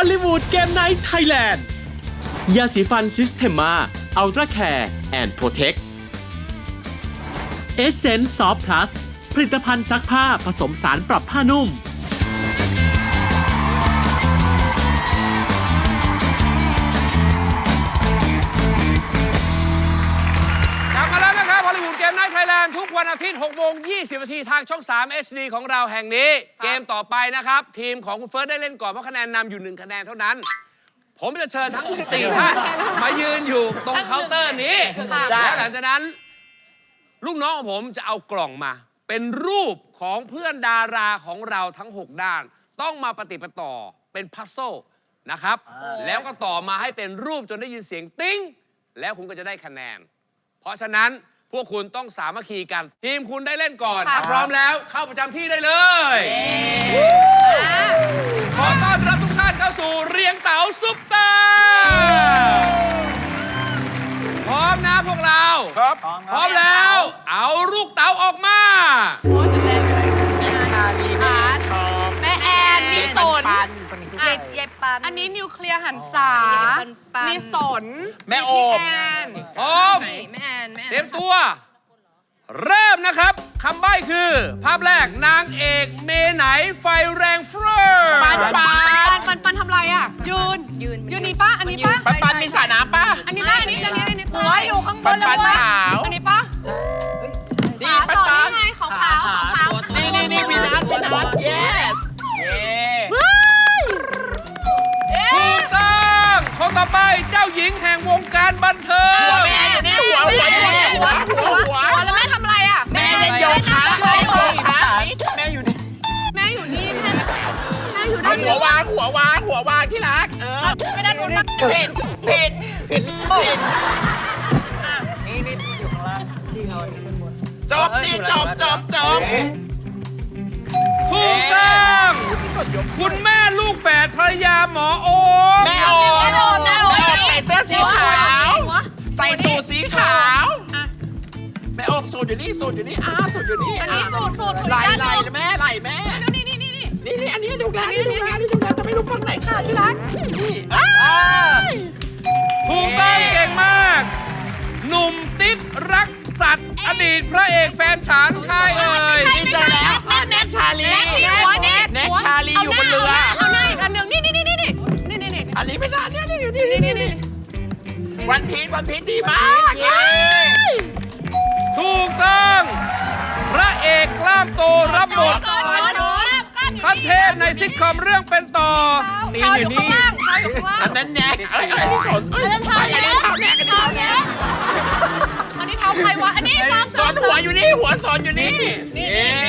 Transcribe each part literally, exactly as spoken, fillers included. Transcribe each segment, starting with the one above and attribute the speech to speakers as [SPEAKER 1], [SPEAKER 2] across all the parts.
[SPEAKER 1] อลลีวูดเกมไนท์ไทยแลนด์ยาสีฟันซิสเทมมาอัลตร้าแคร์แอนด์โปรเทคเอเซนส์ซอฟต์พลัสผลิตภัณฑ์ซักผ้าผสมสารปรับผ้านุ่ม
[SPEAKER 2] เกมไนท์ไทยแลนด์ทุกวันอาทิตย์หกโมงยี่สิบนาทีทางช่องสาม เอช ดี ของเราแห่งนี้เกมต่อไปนะครับทีมของคุณเฟิร์สได้เล่นก่อนเพราะคะแนนนำอยู่หนึ่งคะแนนเท่านั้นผมจะเชิญทั้งสี่ท่านมายืนอยู่ตรงเคาน์เตอร์นี้และหลังจากนั้นลูกน้องของผมจะเอากล่องมาเป็นรูปของเพื่อนดาราของเราทั้งหกด้านต้องมาปฏิปต่อเป็นพัซโซลนะครับแล้วก็ต่อมาให้เป็นรูปจนได้ยินเสียงติ้งแล้วคุณก็จะได้คะแนนเพราะฉะนั้นพวกคุณต้องสามัคคีกันทีมคุณได้เล่นก่อนถ้าพร้อมแล้วเข้าประจำที่ได้เลยขอต้อนรับทุกท่านเข้าสู่เรียงเต๋าซุปตาพร้อมนะพวกเราครับพร้อมแล้วเอาลูกเต๋าออกมา
[SPEAKER 3] แม่ชาลีแม่ทองแม่แอนมีสน
[SPEAKER 4] เย็บเย็บปัน
[SPEAKER 3] อันนี้นิวเคลียร์หันษามีสนแม่โอม
[SPEAKER 2] พร้อม
[SPEAKER 4] แม่แอนแม่
[SPEAKER 2] เตรียมตัวเริ่มนะครับคำใบ้คือภาพแรกนางเอกเมไหนไฟแรงเฟ้อ
[SPEAKER 3] ปันปันปันปันทำไรอ่ะยืนยืนยืนนี่ป้าอันนี้ป้าปันปันมีสระน้ำป้าอันนี้ป้าอันนี้อันนี้อันนี้
[SPEAKER 4] หัวอยู่ข้างบนแล้ว
[SPEAKER 3] วะอันนี้ป้านี่ปันปันขาวขาวขาวนี่นี่นี่วีนัสวีนัส yes
[SPEAKER 2] ถูกต้องคนต่อไปเจ้าหญิงแห่งวงการบันเทิง
[SPEAKER 3] หัวแม่อยู่นี่หัวหัวหัวหัวหัวแล้วแม่ทำอะไรอ่ะแม่เล่นโยคะแม่โยคะ
[SPEAKER 5] แม่อยู่นี่
[SPEAKER 3] แม่อยู่นี่แม่แม่อยู่ด้านหัววางหัววางหัววางที่รักเออไม่ได้โดนผิดผิดผิดผิด
[SPEAKER 5] นี่นี่อยู่ข้างล่างที่เขา
[SPEAKER 3] จบสิจบจบจบ
[SPEAKER 2] ถูกต้องคุณแม่ลูกแฝดภรรยาหมอโอม
[SPEAKER 3] แม่โอมแม่โอมใส่เสื้อสีขาวใส่สูทสีขาวแม่โอมสูทอยู่นี่สูทอยู่นี่อ้าสูทอยู่นี่อันนี้สูทสูทไหลไหลแม่ไหลแม่นี่นี่นี่นี่นี่นี่อันนี้ดูแลนี่ดูแลนี่ดูแลแต่ไม่รู้ฝั่งไหนค่ะที่รักนี่
[SPEAKER 2] ถูกต้องเก่งมากหนุ่มติ๊ดรักสัตว์อดีตพระเอกแฟนฉันใครเอ่ย
[SPEAKER 3] นี่เจอแล้วแน็กชาลีแน็กชาลีอยู่บนเรือเอาหน้าอีกอันหนึ่งนี่นี่นี่นี่นี่นี่นี่อันนี้ไม่ใช่เนี่ยนี่อยู่นี่นี่นี่วันพีชวันพีชดีมาก
[SPEAKER 2] ถูกต้องพระเอกกล้ามโตรับบทขั้นเทพในซิทคอมเรื่องเป็นต่อ
[SPEAKER 3] นี่อยู่นี่อันนั้นแน็กเอ้ยอันนี้สนอันนั้นเท้าอันนี้เท้าแน็กอันนี้เท้าแน็กอันนี้เท้าใครวะอันนี้ซ้อมสอนหัวอยู่นี่หัวสอนอยู่นี่นี่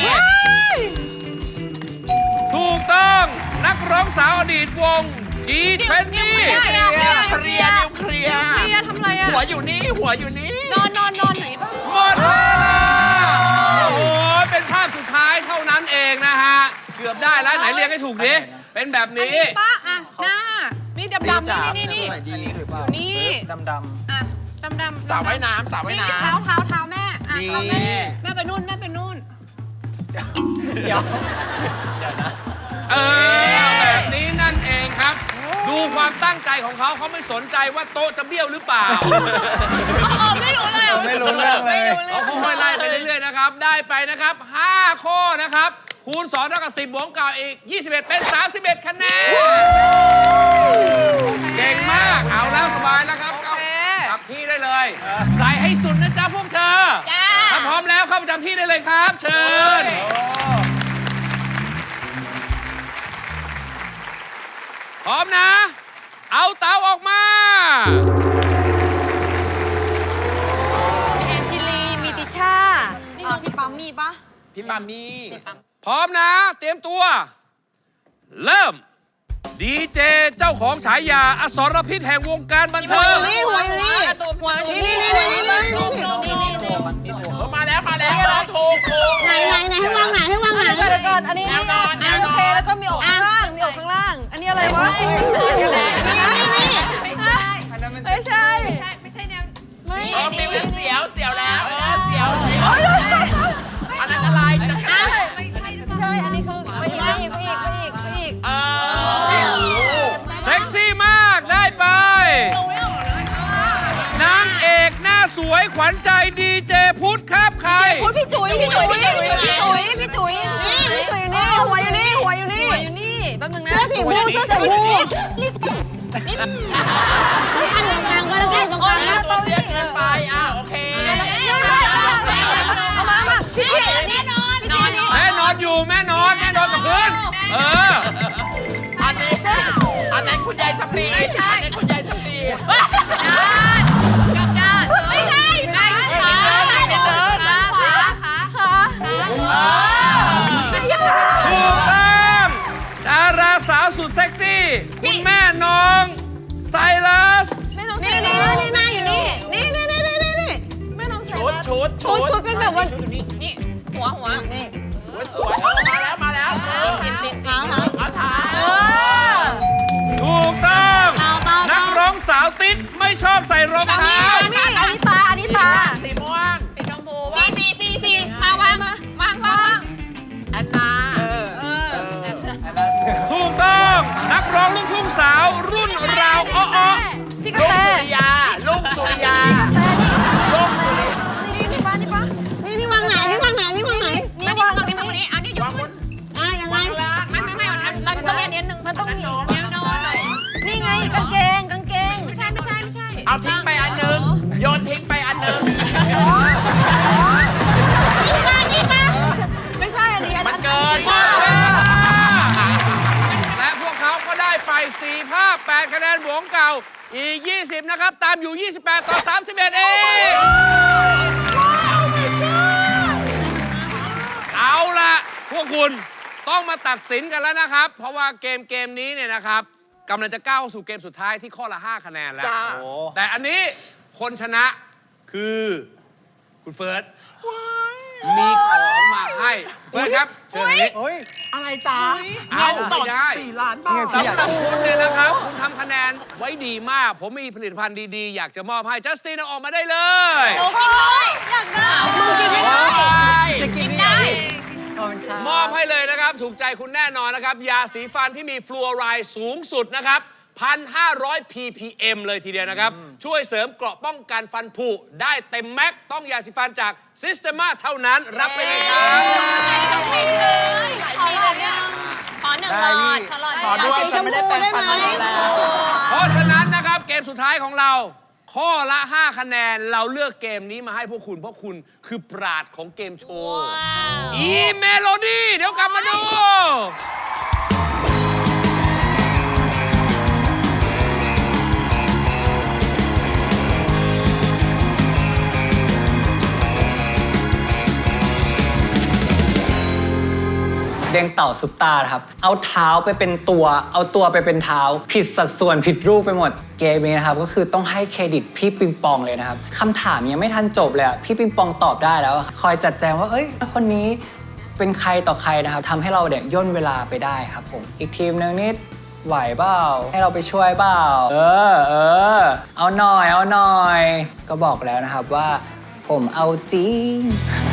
[SPEAKER 2] ถูกต้องนักร้องสาวอดีตวง จี ยี่สิบ
[SPEAKER 3] เคลียร์เคลียร์นิวเคลียร์เคลียร์ทำไรอะหัวอยู่นี่หัวอยู่นี่นอนนอนนอนไหนบ้าง
[SPEAKER 2] หมดเวลาโอ้โหเป็นภาพสุดท้ายเท่านั้นเองนะฮะเกือบได้แล้วไหนเรียกให้ถูกดิเป็นแบบนี้
[SPEAKER 3] ป้าอะหน้านี่ดำดำนี่นี่นี่นี่
[SPEAKER 5] ดำดำ
[SPEAKER 3] อะดำดำ
[SPEAKER 5] สาวว่ายน้ำสาวว่ายน้ำ
[SPEAKER 3] เท้าเท้าเท้าแม่อะเท้าแม่แม่ไปนู่นแม่ไปนู่น
[SPEAKER 5] เดี๋ยวเดี๋ยวนะ
[SPEAKER 2] เออแบบนี้นั่นเองครับดูความตั้งใจของเขาเขาไม่สนใจว่าโต๊ะจะเบี้ยวหรือเปล่า
[SPEAKER 3] อ๋อไม่รู้เลย
[SPEAKER 5] ไม่รู้เรื่องเลย
[SPEAKER 2] เขาค่อยๆไล่ไปเรื่อยๆนะครับได้ไปนะครับห้าข้อนะครับคูณสองเท่ากับสิบบวกกับอีกยี่สิบเอ็ดเป็นสามสิบเอ็ดคะแนนเก่งมากเอาแล้วสบายแล้วครับกลับที่ได้เลยใส่ให้สุดนะจ๊ะพวกเธอถ้าพร้อมแล้วเข้าประจำที่ได้เลยครับเชิญพร้อมนะเอาเตาออกมา
[SPEAKER 4] แอนชิลีมีติชาพี่ปั๊มมีปะ
[SPEAKER 3] พี่ปั๊มมี
[SPEAKER 2] พร้อมนะเตรียมตัวเริ่มดีเจเจ้าของฉายาอสรพิษแห่งวงการบันเทิง
[SPEAKER 4] นี่หัวอยู่นี่หัวอยู่นี่นี่นี่นี่นี่นี่
[SPEAKER 3] นี่มาแล้วมาแล้วถูกถูก
[SPEAKER 4] ไหนไหนไหนให้วางไหนให้วางไหนก่อนอันนี้นี่โอเคแล้วก็มีอกข้างล่างมีอกข้างล่างอันนี้อะไรวะ
[SPEAKER 3] นี่นี่นี่
[SPEAKER 4] ไม่ใช่
[SPEAKER 3] ไม่ใช่แนวไม่เออมีเสียวเสียวแล้วเออเสียวเสียวอันนั้นอะไรจะกระ
[SPEAKER 4] ไม่ใช่ไม่ใช่อันนี้คือไปอีกไปอีกไปอีกไปอีก
[SPEAKER 3] เออ
[SPEAKER 2] แสวยขวัญใจดีเจพุทธครับใคร
[SPEAKER 4] พูดพี่จุ๋ยพี่จุ๋ยพี่จุ๋ยพี่จุ๋ยพี่จุ๋ยนี่พี่จุ๋ยอยู่นี่หัวอยู่นี่หัวอยู่นี่หัวอยู่นี่แป๊บนึงนะเสื้อสีม่วงเสื้อสีม่วงนี่นี่อันกลางก็แล้วกันตรงกลาง
[SPEAKER 3] ตัวเตี้ยเกินไปอ่ะโอเค
[SPEAKER 4] เอามามาพี่พี่แน่นอนนอน
[SPEAKER 2] แม่นอนอยู่แม่นอนแม่นอนกับพื้นเออ
[SPEAKER 3] อันนี้อันนั้นคุณยายสปีดอันนี้คุณยายสปีด
[SPEAKER 4] กับด้านไม่ใช่ขาขาขาขาขา
[SPEAKER 2] ถูกต้องดาราสาวสุดเซ็กซี่คุณแม่น้องไซรัส
[SPEAKER 4] ไม่น้องนี่นี่นี่หน้าอยู่นี่นี่นี่นี่นี่นี่ไม่น้องใส่
[SPEAKER 3] ชุดชุด
[SPEAKER 4] ชุดชุดเป็นแบบว่า
[SPEAKER 6] นี่หัวหัว
[SPEAKER 4] นี่
[SPEAKER 3] สวยเออมาแล้วมาแล้วเออ
[SPEAKER 4] เท้าเท้า
[SPEAKER 3] เอาเท้า
[SPEAKER 4] เออ
[SPEAKER 2] ถูกต้อง
[SPEAKER 4] เท้าเท้า
[SPEAKER 2] นักร้องสาวติ๊ดไม่ชอบใส่รองเท้า
[SPEAKER 4] นี่อันนี้ตาอันนี้ตา
[SPEAKER 3] สีม่วง
[SPEAKER 6] สีชมพูว่าสีสีสีมาวางมาวางวาง
[SPEAKER 3] แอนนา
[SPEAKER 2] ถูกต้องนักร้องลูกทุ่งสาวรุ่นราวอ้อ
[SPEAKER 4] พี่ก
[SPEAKER 3] ลุ
[SPEAKER 4] ระ
[SPEAKER 3] ง
[SPEAKER 4] แต
[SPEAKER 3] สุริยาลุงสุริยา
[SPEAKER 4] แต่นี่
[SPEAKER 3] ลุงสุริยา
[SPEAKER 4] นี่นี่ป้านี่ป้านี่นี่วางไหนนี่วางไหนนี่วางไหน
[SPEAKER 6] นี่วางตรงนี้ตรงนี้อันนี้ย
[SPEAKER 3] วาก งบ
[SPEAKER 6] ขึ้น
[SPEAKER 3] น
[SPEAKER 4] อ่ะยังไง
[SPEAKER 3] วางล่าง
[SPEAKER 6] ไม่ไม่ไม่เราต้องเรียนนิดนึง
[SPEAKER 4] มันต้องมี
[SPEAKER 6] แนวนอนหน่อย
[SPEAKER 4] นี่ไงกางเกงกางเกง
[SPEAKER 6] ไม่ใช่ไม่ใช่ไม่ใช่
[SPEAKER 3] เอาทิ้งไปอันหนึ่งโยนทิ้งไปอันหนึ่ง
[SPEAKER 4] นี่ป้านี่ป้าไม่ใช่อันนี้อัน
[SPEAKER 3] มัน
[SPEAKER 4] นี้
[SPEAKER 3] เกิน
[SPEAKER 2] ๆและพวกเขาก็ได้ไปสี่ภาพแปดคะแนนบวกเก่าอีกยี่สิบนะครับ ตามอยู่ ยี่สิบแปด ต่อ สามสิบเอ็ด เอง เอาละพวกคุณต้องมาตัดสินกันแล้วนะครับ เพราะว่าเกมเกมนี้เนี่ยนะครับกำลังจะก้าวสู่เกมสุดท้ายที่ข้อละ ห้า คะแนนแล้ว
[SPEAKER 3] จ้า
[SPEAKER 2] แต่อันนี้คนชนะคือคุณเฟิร์สมีของมาให้เฟิร์สครับเชิญทางนี้
[SPEAKER 5] เฮ้ย
[SPEAKER 3] อะไรจ้า
[SPEAKER 2] เอา
[SPEAKER 3] เงินสด
[SPEAKER 2] ไม่ได้
[SPEAKER 3] สี่ล้านบาท
[SPEAKER 2] สำหรับคุณเนี่ยนะครับ คุณทำคะแนนไว้ดีมาก ผมมีผลิตภัณฑ์ดีๆ อยากจะมอบให้จัสตินเอาออกมาได้เลย
[SPEAKER 6] โอ้กินด้วยอยากได้
[SPEAKER 4] มือกินไม่ได้
[SPEAKER 5] จะกิน
[SPEAKER 6] กิน
[SPEAKER 5] นี่
[SPEAKER 6] ได้
[SPEAKER 5] ขอบคุณครับ
[SPEAKER 2] มอบให้เลยนะครับ ถูกใจคุณแน่นอนนะครับ ยาสีฟันที่มีฟลูออไรด์สูงสุดนะครับ หนึ่งพันห้าร้อย พี พี เอ็ม เลยทีเดียวนะครับ ช่วยเสริมเกราะป้องกันฟันผุได้เต็มแม็กซ์ต้องยาสีฟันจาก Systema เท่านั้นรับไปเลยครับ
[SPEAKER 6] ขอหลอดหนึ่งขอหนึ่งหลอดขอหลอด
[SPEAKER 3] ขอด้วยฉันไม่ได้แปลงฟันมานานแล้ว
[SPEAKER 2] เพราะฉะนั้นนะครับเกมสุดท้ายของเรา ข้อละ ห้า คะแนนเราเลือกเกมนี้มาให้พวกคุณ เพราะคุณคือปราดของเกมโชว์ อีเมโลดี้เดี๋ยวกลับมาดู
[SPEAKER 5] เด้งเต่าซุปตาครับ เอาเท้าไปเป็นตัว เอาตัวไปเป็นเท้า ผิดสัดส่วนผิดรูปไปหมด เกมนี้นะครับก็คือต้องให้เครดิตพี่ปิงปองเลยนะครับคำถามยังไม่ทันจบเลยอะพี่ปิงปองตอบได้แล้วอะคอยจัดแจงว่าเอ้ยคนนี้เป็นใครต่อใครนะครับทำให้เราเนี่ยย่นเวลาไปได้ครับผมอีกทีมนึงนิดไหวเปล่าให้เราไปช่วยเปล่าเออเออเอาหน่อยเอาหน่อย ก็บอกแล้วนะครับว่าผมเอาจริง